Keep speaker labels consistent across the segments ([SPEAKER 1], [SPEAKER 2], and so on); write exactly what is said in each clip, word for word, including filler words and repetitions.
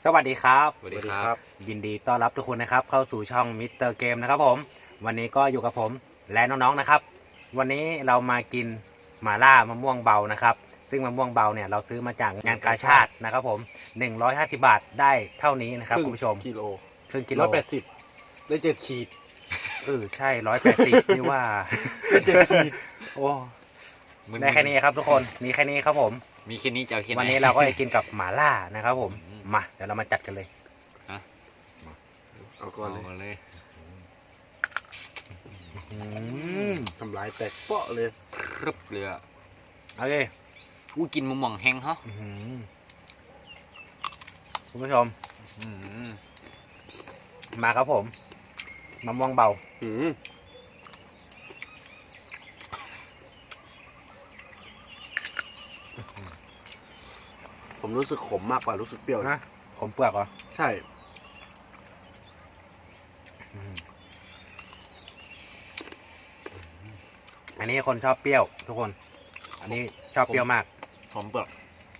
[SPEAKER 1] สวัสดีครับ
[SPEAKER 2] สวัสดีครับ
[SPEAKER 1] ยินดีต้อนรับทุกคนนะครับเข้าสู่ช่องมิสเตอร์เกมนะครับผมวันนี้ก็อยู่กับผมและน้องๆนะครับวันนี้เรามากินหม่าล่ามะม่วงเบานะครับซึ่งมะม่วงเบาเนี่ยเราซื้อมาจากงานกาชาดนะครับผมหนึ่งร้อยห้าสิบบาทได้เท่านี้นะครับคุณผู้ชม
[SPEAKER 2] กิโล
[SPEAKER 1] ครึ่งกิโล
[SPEAKER 2] ร้อยแปดสิบได้เจ็ดขีด
[SPEAKER 1] เออใช่ร้อยแปดสิบนี่ว่า
[SPEAKER 2] ได้เจ็ดขีด
[SPEAKER 1] โอ้ได้แค่นี้ครับทุกคนมีแค่นี้ครับผม
[SPEAKER 3] มีแค่นี้จะเอาแค่ไหน
[SPEAKER 1] วันนี้เราก็จะกินกับหม่าล่านะครับผมมาเดี๋ยวเรามาจัดกันเลย
[SPEAKER 2] เอาก่อนเลยทำลายแตกเปาะเลย
[SPEAKER 3] ครึบเลยอ่ะ
[SPEAKER 1] เอาเลย
[SPEAKER 3] อู้กินมะม่วงแห้งเหรอ
[SPEAKER 1] คุณผู้ชมมาครับผมมะม่วงเบา
[SPEAKER 2] ผมรู้สึกขมมากกว่ารู้สึกเปรี้ยว
[SPEAKER 1] นะขมเปลือกเหรอ
[SPEAKER 2] ใช่
[SPEAKER 1] อันนี้คนชอบเปรี้ยวทุกคนอันนี้ชอบเปรี้ยวมาก
[SPEAKER 3] ขมเปลือก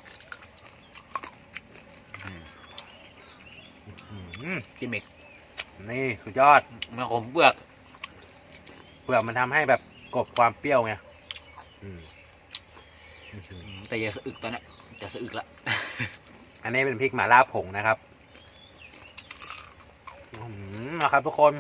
[SPEAKER 3] กินเมก
[SPEAKER 1] นี่สุดยอด
[SPEAKER 3] มันขมเปลือก
[SPEAKER 1] เปลือกมันทำให้แบบกลบความเปรี้ยวไง
[SPEAKER 3] แต่อย่าสะอึกตอนนี้จะสะอึกละ
[SPEAKER 1] อันนี้เป็นพริกหม่าล่าผงนะครับนะครับทุกคน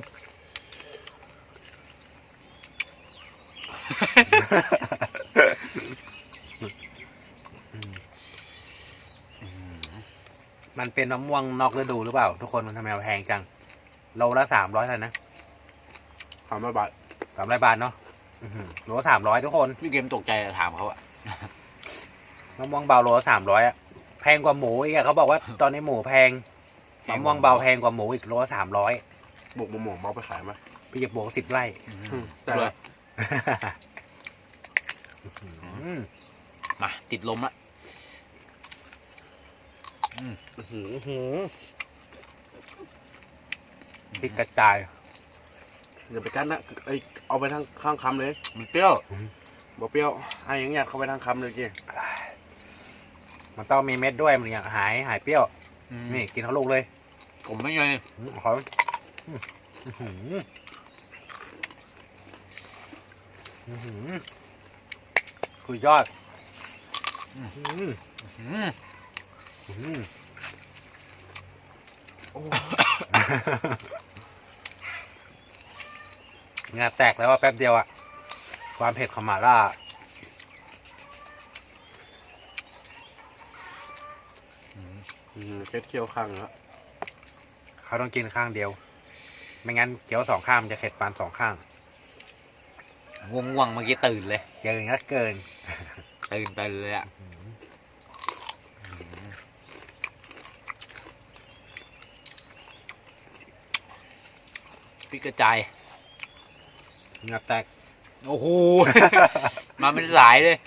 [SPEAKER 1] มันเป็นมะม่วงนอกฤดูหรือเปล่าทุกคนมันทำไมแพงจังโลละสามร้อยเท่านั้นนะ
[SPEAKER 2] สามร้อยบาท
[SPEAKER 1] สามร้อยบาทเนาะโลละสามร้อยทุกคน
[SPEAKER 3] พี่เกมตกใจถามเขาอะ
[SPEAKER 1] มะม่วงเบาโลละสามร้อยอะแพงกว่าหมูอีกเขาบอกว่าตอนนี้หมูแพงมะม่วงเบาแพงกว่าหมูอีกโลละสามร้อย
[SPEAKER 2] บวกมะม่วงเบาไปขายไหม
[SPEAKER 1] พี่จะบวกสิบไร่
[SPEAKER 2] แต่
[SPEAKER 3] มาติดลมละ
[SPEAKER 1] พริกกระจาย
[SPEAKER 2] อย่าไปกั้นนะไอเอาไปทางข้างคำเลย
[SPEAKER 3] มันเปรี้ยว
[SPEAKER 2] บ่เปรี้ยวไอ้ยังอยากเข้าไปทางคำเลยจี
[SPEAKER 1] มันต้องมีเม็ดด้วยมันอยากหายหายเปรี้ยวนี่กินทั้งลูกเลย
[SPEAKER 3] ผมไม่ไง
[SPEAKER 1] ขอคือยอดงาแตกแล้วว่าแป๊บเดียวอะความเผ็ดของหม่าล่า
[SPEAKER 2] เค็ดเคี้ยวข้างแล้ว
[SPEAKER 1] เขาต้องกินข้างเดียวไม่งั้นเคี้ยวสองข้างมันจะเผ็ดปานสองข้าง
[SPEAKER 3] ง่วงง่วงเมื่อกี้ตื่นเลย
[SPEAKER 1] เกินก็เกิน
[SPEAKER 3] ตื่นตื่นเลยอะพริกกระจาย
[SPEAKER 1] เงาแตก
[SPEAKER 3] โอ้โห มาเป็นสายเลย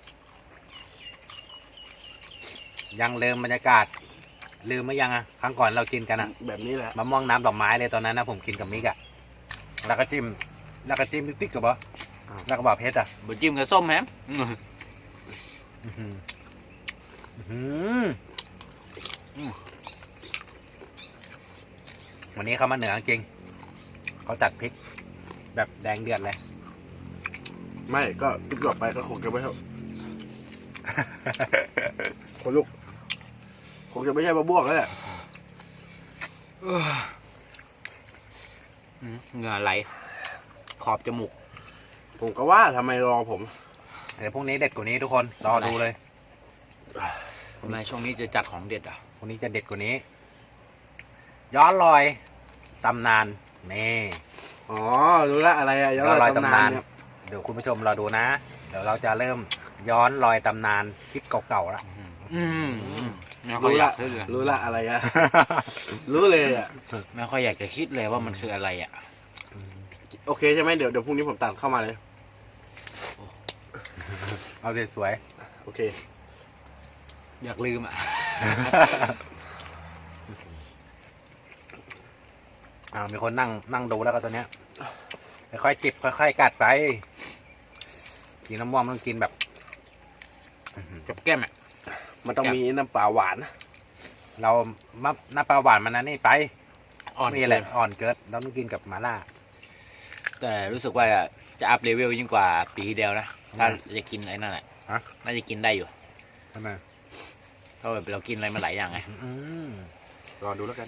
[SPEAKER 1] ยังลืมบรรยากาศลืมไม่ยังอ่ะครั้งก่อนเรากินกันอ่ะ
[SPEAKER 2] แบบนี้แหละ
[SPEAKER 1] มะม่วงน้ำดอกไม้เลยตอนนั้นนะผมกินกับมิกอ่ะแล้วก็จิ้มแล้วก็จิ้มติ๊กกับบ่แล้วก็บอกเพชรอ่ะ
[SPEAKER 3] บะจิ้มกับส้มแฮม
[SPEAKER 1] วันนี้เขามาเหนือจริงเขาจัดพริกแบบแดงเดือดเลย
[SPEAKER 2] ไม่ก็ติ๊กหลบไปก็คงจะไม่เท่าคนลูกคงจะไม่ใช่มะม่วงแล้วแหละ
[SPEAKER 3] เหงื่อไหลขอบจมูก
[SPEAKER 2] ผมก็ว่าทำไมรอผม
[SPEAKER 1] เดี๋ยวพรุ่งนี้เด็ดกว่านี้ทุกคนรอดูเลย
[SPEAKER 3] ทำไมช่วงนี้จะจัดของเด็ดอ่ะ
[SPEAKER 1] พรุ่งนี้จะเด็ดกว่านี้ย้อนรอยตำนานนี่
[SPEAKER 2] อ๋อรู้ละอะไรอะ
[SPEAKER 1] ย้อนรอยตำนานเดี๋ยวคุณผู้ชมรอดูนะเดี๋ยวเราจะเริ่มย้อนรอยตำนานคลิปเก่าๆแล้ว
[SPEAKER 3] รู้ละ
[SPEAKER 2] รู้ละอะไรอะรู้เลยอะ
[SPEAKER 3] ไม่ค่อยอยากจะคิดเลยว่ามันคืออะไรอะ
[SPEAKER 2] โอเคใช่ไหมเดี๋ยวเดี๋ยวพรุ่งนี้ผมตัดเข้ามาเลย
[SPEAKER 1] เอาเด็ดสวย
[SPEAKER 2] โอเค
[SPEAKER 3] อยากลืมอ่ะ
[SPEAKER 1] อ่ามีคนนั่งนั่งดูแล้วก็ตัวเนี้ยค่อยๆจิบค่อยๆกัดไปกินน้ำม่วงต้องกินแบบ
[SPEAKER 3] กับแก้มอ่ะ
[SPEAKER 2] มันต้องมีน้ำปลาหวาน
[SPEAKER 1] เรามะน้ำปลาหวานมันนั้นนี่ไป
[SPEAKER 3] อ่อน
[SPEAKER 1] นี่
[SPEAKER 3] เกิ
[SPEAKER 1] แหละ
[SPEAKER 3] น
[SPEAKER 1] อ่อนเกินเราต้องกินกับมาล่า
[SPEAKER 3] แต่รู้สึกว่าจะอัพเลเวลยิ่งกว่าปีที่แล้วนะ
[SPEAKER 1] ทำไม
[SPEAKER 3] ถ้าจะกินไอ้นั่นแหละ
[SPEAKER 1] ฮะ
[SPEAKER 3] น่าจะกินได้อยู่
[SPEAKER 1] ใช่ไหม
[SPEAKER 3] เพราะแบบเรากินอะไรมาหลายอย่างไง
[SPEAKER 1] อืม
[SPEAKER 2] รอดูแล้วกัน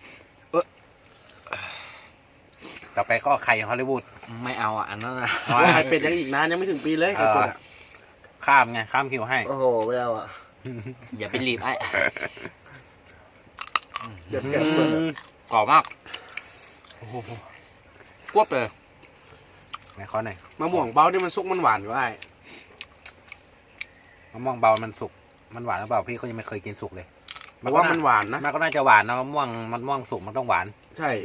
[SPEAKER 1] ต่อไปก็ไข่ฮอลลีวูด
[SPEAKER 3] ไม่เอาอ่ะอันนั้นนะ
[SPEAKER 1] เอา
[SPEAKER 2] ว่าไข่เป็ดยังอีกนานยังไม่ถึงปีเลยไข่เป็ดอะ
[SPEAKER 1] ข้ามไงข้ามคิวให้
[SPEAKER 2] โอ้โหไม่เอาอ่ะ
[SPEAKER 3] อย่าไปรีบไอ้
[SPEAKER 2] เดี๋ยวแกะเปิดอะ
[SPEAKER 3] กรอบมาก
[SPEAKER 1] โอ้โห
[SPEAKER 3] กวบเลย
[SPEAKER 1] ไหนขอหน่อย
[SPEAKER 2] มะม่วงเบาที่มันซุกมันหวานอยู่ไอ้
[SPEAKER 1] มะม่วงเบามันสุกมันหวานหรือเปล่าพี่ก็ยังไม่เคยกินสุกเลย
[SPEAKER 2] บอกว่ามันหวานนะ
[SPEAKER 1] มันก็น่าจะหวานนะมะม่วงมะม่วงสุกมันต้องหวาน
[SPEAKER 2] ใช่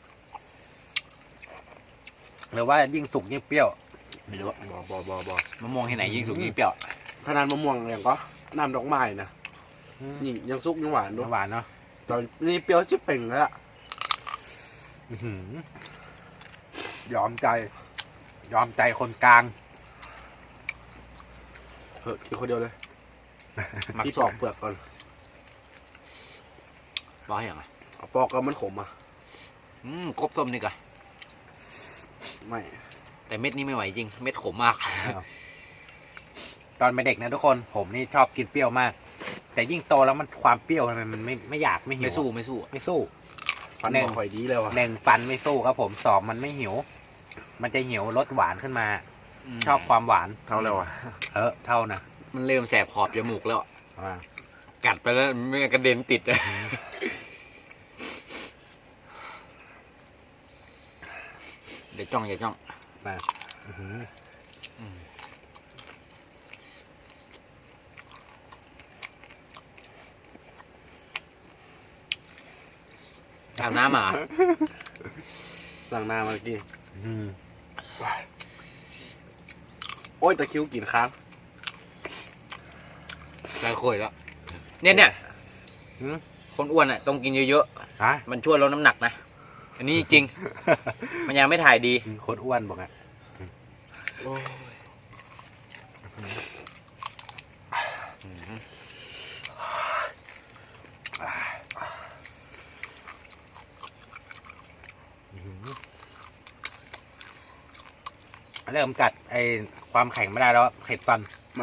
[SPEAKER 1] หรือว่ายิ่งสุกยิ่งเปรี้ยว
[SPEAKER 3] ไม่รู้
[SPEAKER 2] บอบอบอบอ
[SPEAKER 3] มะม่วงที่ไหนยิ่งสุกยิ่งเปรี้ยว
[SPEAKER 2] ขนาดมะม่วงอย่างก็น้ำดอกไม้นะ
[SPEAKER 1] อืม
[SPEAKER 2] ยิ่งยังซุกยังหวานด้วย
[SPEAKER 1] หวานเนาะ
[SPEAKER 2] ตอนนี้เปรี้ยวชิบเป่งแล้วอะ
[SPEAKER 1] อื้อหือยอมใจ ยอมใจคนกลาง
[SPEAKER 2] เฮ้ยกินคนเดียวเลย
[SPEAKER 3] มัก
[SPEAKER 2] ที่
[SPEAKER 3] ส
[SPEAKER 2] ป
[SPEAKER 3] อ
[SPEAKER 2] อง กเปลือกก่อน
[SPEAKER 3] ร้อยอย่างไร
[SPEAKER 2] เอาปอกก็มันขมอ่ะ
[SPEAKER 3] อืมกบส้มนี่กะ
[SPEAKER 2] ไม่
[SPEAKER 3] แต่เม็ดนี้ไม่ไหวจริง เม็ดขมมาก
[SPEAKER 1] ตอนเป็นเด็กนะทุกคนผมนี่ชอบกินเปรี้ยวมาก แต่ยิ่งโตแล้วมันความเปรี้ยวทำไมมันไม่ไม่อยากไม่หิว
[SPEAKER 3] ไม่สู้ไม่สู้
[SPEAKER 1] ไม่สู้
[SPEAKER 2] ฟัน
[SPEAKER 1] หนึ่ง
[SPEAKER 2] บ่ค่อยดีเลยว่ะ
[SPEAKER 1] หนึ่งฟันไม่สู้ครับผมสองมันไม่หิว มันจะหิวรสหวานขึ้นมา
[SPEAKER 3] ม
[SPEAKER 1] ชอบความหวาน
[SPEAKER 2] เท่าแล้วอ่ะ
[SPEAKER 1] เออเท่านะ
[SPEAKER 3] มันเริ่มแสบขอบจมูกแล้ว
[SPEAKER 1] อ่า
[SPEAKER 3] กัดไปแล้วไม่งั้นกระเด็นติดเลยเดี๋ยวจ้องอย่าจ้อง
[SPEAKER 1] มาอื้อหือ
[SPEAKER 3] อืมอาบน้ำมา
[SPEAKER 2] หลังหน้าเมื่อกี้
[SPEAKER 1] อื้อหือ
[SPEAKER 2] โอ้ยตะคริวกินค้าง
[SPEAKER 3] ใส่ข่อยแล้ว เนี่ยเนี่ย
[SPEAKER 1] หือ
[SPEAKER 3] คนอ้วนอ่ะต้องกินเยอะ
[SPEAKER 1] ฮะ
[SPEAKER 3] ๆ มันช่วยลดน้ำหนักนะ อันนี้จริง มันยังไม่ถ่ายดี
[SPEAKER 1] คนอ้วนบอกอ่ะ
[SPEAKER 2] โอ้ย
[SPEAKER 3] อืม
[SPEAKER 1] อื้อหือเริ่มกัดไอความแข็งไม่ได้แล้วอะเข็ดฟัน
[SPEAKER 2] มัน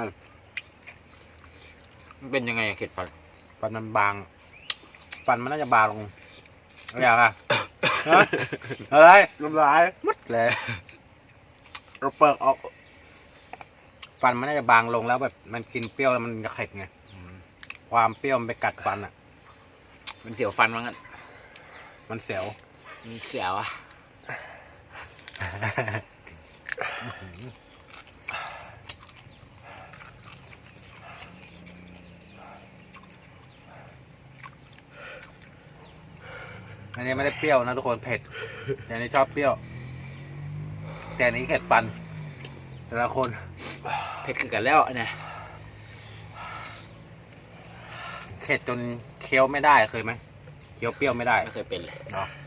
[SPEAKER 3] มันเป็นยังไงอะเข็ดฟัน
[SPEAKER 1] ฟันมันบาง ฟันมันน่าจะบางลงอะไรอย่างอ่ะ ฮะอะไร
[SPEAKER 2] น้ำลาย
[SPEAKER 1] มัดเลย
[SPEAKER 2] เราเปิดออก
[SPEAKER 1] ฟันมันน่าจะบางลงแล้วแบบมันกินเปรี้ยวแล้วมันจะเข็ดไง
[SPEAKER 3] อืม
[SPEAKER 1] ความเปรี้ยวมันไปกัดฟันอ่ะ
[SPEAKER 3] มันเสียวฟันมั้งอ่ะ
[SPEAKER 1] มันเสียว
[SPEAKER 3] มันเสียวอ่ะ
[SPEAKER 1] อันนี้ไม่ได้เปรี้ยวนะทุกคนเผ็ดแต่อันนี้ชอบเปรี้ยว แต่อันนี้เข็ดฟัน แต่ละคน
[SPEAKER 3] เผ็ดคือกันแล้วเนี่ย
[SPEAKER 1] เข็ดจนเคี้ยวไม่ได้เคยไหมเคี้ยวเปรี้ยวไม่ได้
[SPEAKER 3] ไม่เคยเป็นเลย
[SPEAKER 1] เนาะ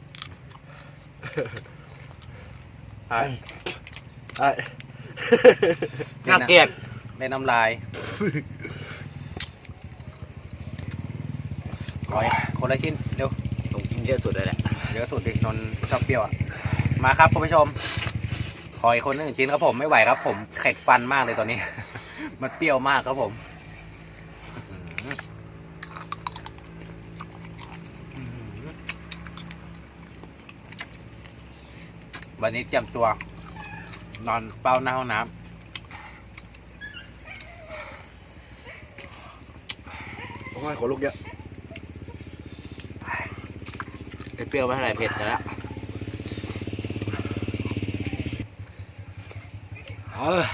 [SPEAKER 2] ไอ้ไอ้
[SPEAKER 3] น่าเกลียด
[SPEAKER 1] ได้น้ำลายขออีกคนละชิ้นเร็ว
[SPEAKER 3] ผมกินเยอะสุดเลยแหละ
[SPEAKER 1] เยอะสุดดินนท์ชอบเปรี้ยวอ่ะ มาครับคุณผู้ชม ขออีกคนหนึ่งชิ้นครับผมไม่ไหวครับ ผมเข็ดฟันมากเลยตอนนี้ มันเปรี้ยวมากครับผมอื้อหืออื้อหือวันนี้เตรียมตัว นอนเป้าหน้าห้องน้
[SPEAKER 2] โอ้ยขนลุกเยอะ
[SPEAKER 3] เปรี้ยวไม่เท่าไหร่เผ็ดแต่ละเออ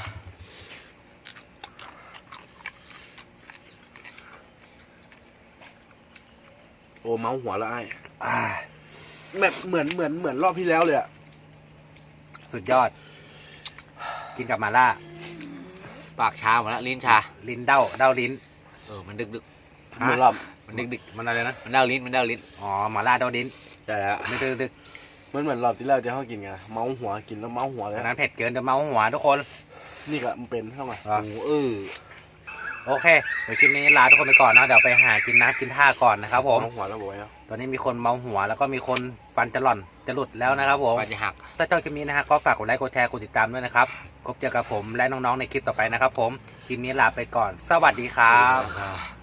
[SPEAKER 2] โอ้เมาหัวแล้วไอ้
[SPEAKER 1] ำอ่า
[SPEAKER 2] แบบเหมือนเหมือนเหมือนรอบที่แล้วเลยอะ
[SPEAKER 1] สุดยอด กินกับมาล่า
[SPEAKER 3] ปากชาหมดแล้วลิ้นชา
[SPEAKER 1] ลิ้นเด้าเด้าลิ้น
[SPEAKER 3] เออมันดึกดึก
[SPEAKER 2] เหมือนรอบ
[SPEAKER 3] ๆมันดึกดึก
[SPEAKER 1] มันอะไรนะ
[SPEAKER 3] ๆมันเด้าลิ้นมันเด้าลิ้น
[SPEAKER 1] อ๋อมาล่าเด้าลิ้น
[SPEAKER 3] ได้แล้ว
[SPEAKER 1] ไม่ดึกดึก
[SPEAKER 2] มันเหมือนรอบที่แล้วที่เขากินไงเมาหัวกินแล้วเมาหัวเลย
[SPEAKER 1] อันนั้นเผ็ดเกินจะเมาหัวทุกคน
[SPEAKER 2] นี่ก็มันเป็นเท่าไหร่
[SPEAKER 3] โอ้เออ
[SPEAKER 1] โอเคเดี๋ยวคลิปนี้ลาทุกคนไปก่อนนะเดี๋ยวไปหากินน้ำกินท่าก่อนนะครับผม
[SPEAKER 2] น้องหัวแล้วบอกแล้ว
[SPEAKER 1] ตอนนี้มีคนเมาหัวแล้วก็มีคนฟันจะหล่อนจะหลุดแล้วนะครับผม
[SPEAKER 3] ว่าจะหัก
[SPEAKER 1] ถ้าชอบคลิปนี้นะฮะก็ฝากกดไลค์กดแชร์กดติดตามด้วยนะครับพบเจอกับผมและน้องๆในคลิปต่อไปนะครับผมคลิปนี้ลาไปก่อนสวัสดีครับ